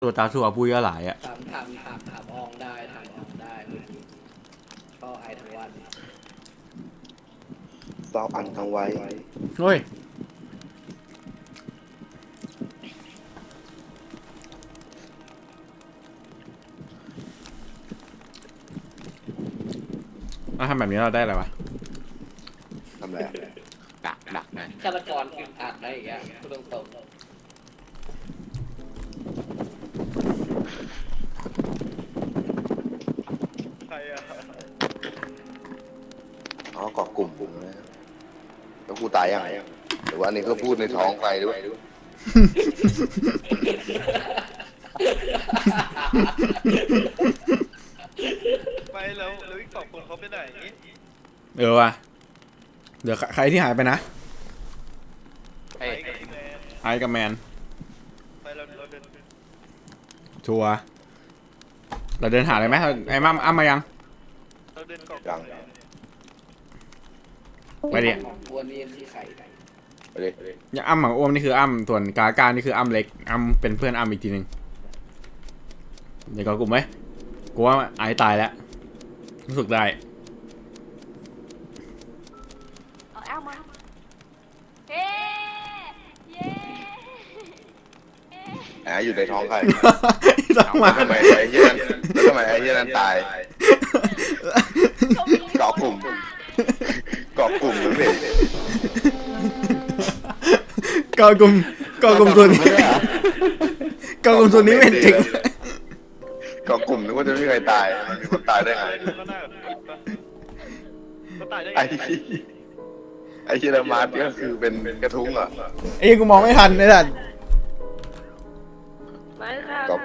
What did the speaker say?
ตัวตาสัวปุยก็หลายอ่ะถามอองได้ถามอองได้ก็ไอทั้งวันเศร้าอันทั้งไว้เฮ้ยทำแบบนี้เราได้อะไรวะทำไรดักนะฆาตกรอึดอัดได้อีกอย่างพูดตรงใครอะอ๋อเกาะกลุ่มผมนะแล้วกูตายยังหรือว่านี่ก็พูดในท้องไปด้วยไปแล้วอีก2 คนเขาไปไหนว่ะเดี๋ยวใครที่หายไปนะไปกับแมนไอกับแมนไปเราเดินชัวร์เราเดินหาเลยไหมไอ้อ้ำมายังเราเดินกอกยังไปดิวันนี้คือไข่ไปเลยยังอ้ำของอ้วมนี่คืออ้ำส่วนกาการนี่คืออ้ำเล็กอ้ำเป็นเพื่อนอ้ำอีกทีหนึ่งเดี๋ยวก็กลุ่มไหมกูว่าไอตายแล้วรู้สึกได้เอาแอลมาเฮ้เย้แอบอยู่ในท้องใครต้องมาทำไมไอ้เหี้ยนั่นแล้วทำไมไอ้เหี้ยนั่นตายเกาะกลุ่มเกาะกลุ่มหรือเปล่าก็กลุ่มส่วนนี้ก็กลุ่มส่วนนี้เป็นจริงเกาะกลุ่มนึกว่าจะไม่มีใครตายมันมีคนตายได้ไงก็น่าแบบคิดปะเขาตายได้ไงไอ้เหี้ยมาร์ทก็คือเป็นกระทุ้งเหรอไอ้กูมองไม่ทันเลยสัตว์ไม่ค่ะ